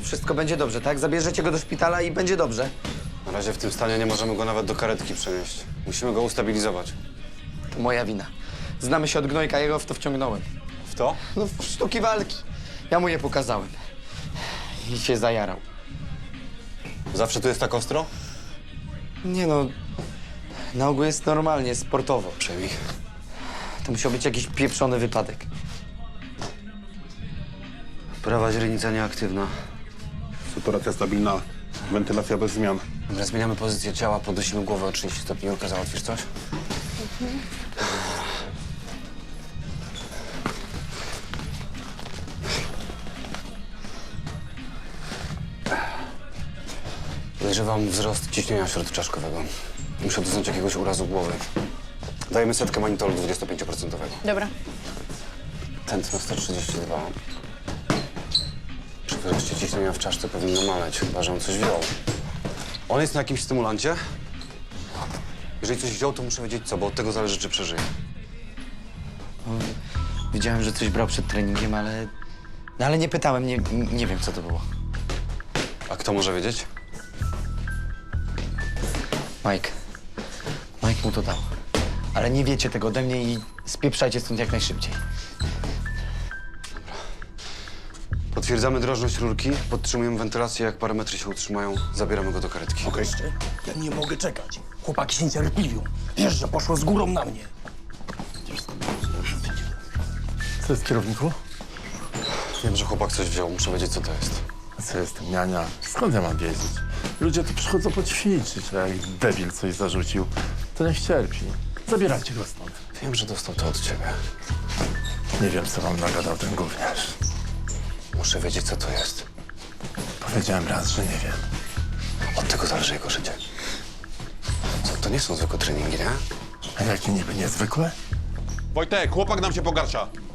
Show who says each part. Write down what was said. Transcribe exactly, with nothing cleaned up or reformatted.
Speaker 1: wszystko będzie dobrze, tak? Zabierzecie go do szpitala i będzie dobrze.
Speaker 2: Na razie w tym stanie nie możemy go nawet do karetki przenieść. Musimy go ustabilizować.
Speaker 1: To moja wina. Znamy się od gnojka, jego w to wciągnąłem.
Speaker 2: W to?
Speaker 1: No, w sztuki walki. Ja mu je pokazałem. I się zajarał.
Speaker 2: Zawsze tu jest tak ostro?
Speaker 1: Nie no, na ogół jest normalnie, sportowo.
Speaker 2: Przejmij.
Speaker 1: To musiał być jakiś pieprzony wypadek.
Speaker 2: Prawa źrenica nieaktywna.
Speaker 3: Saturacja stabilna, wentylacja bez zmian.
Speaker 2: Dobra, zmieniamy pozycję ciała, podnosimy głowę o trzydzieści stopni. Julka, załatwisz coś? Podejrzewam wzrost ciśnienia śródczaszkowego. Muszę doznać jakiegoś urazu głowy. Dajemy setkę manitolu dwudziestopięcioprocentowego.
Speaker 4: Dobra.
Speaker 2: Tętno sto trzydzieści dwa. Przy wzroście ciśnienia w czaszce powinno maleć, chyba że on coś wziął. On jest na jakimś stymulancie? Jeżeli coś wziął, to muszę wiedzieć co, bo od tego zależy, czy przeżyje.
Speaker 1: Widziałem, że coś brał przed treningiem, ale... No ale nie pytałem, nie, nie wiem, co to było.
Speaker 2: A kto może wiedzieć?
Speaker 1: Mike. Mike mu to dał. Ale nie wiecie tego ode mnie i spieprzajcie stąd jak najszybciej.
Speaker 2: Potwierdzamy drożność rurki, podtrzymujemy wentylację, jak parametry się utrzymają, zabieramy go do karetki.
Speaker 3: Okej.
Speaker 5: Ja nie mogę czekać. Chłopaki się niecierpliwią. Wiesz, że poszło z górą na mnie.
Speaker 6: Co jest, kierowniku?
Speaker 2: Wiem, że chłopak coś wziął, muszę wiedzieć, co to jest.
Speaker 6: A co jest, niania? Skąd ja mam wiedzieć? Ludzie tu przychodzą poćwiczyć, a jak debil coś zarzucił, to niech cierpi. Zabierajcie go stąd.
Speaker 2: Wiem, że dostał to od ciebie.
Speaker 6: Nie wiem, co wam nagadał ten gówniarz.
Speaker 2: Muszę wiedzieć, co to jest.
Speaker 6: Powiedziałem raz, że nie wiem.
Speaker 2: Od tego zależy jego życie. Co, to nie są zwykłe treningi, nie?
Speaker 6: A jakie niby niezwykłe?
Speaker 3: Wojtek, chłopak nam się pogarsza.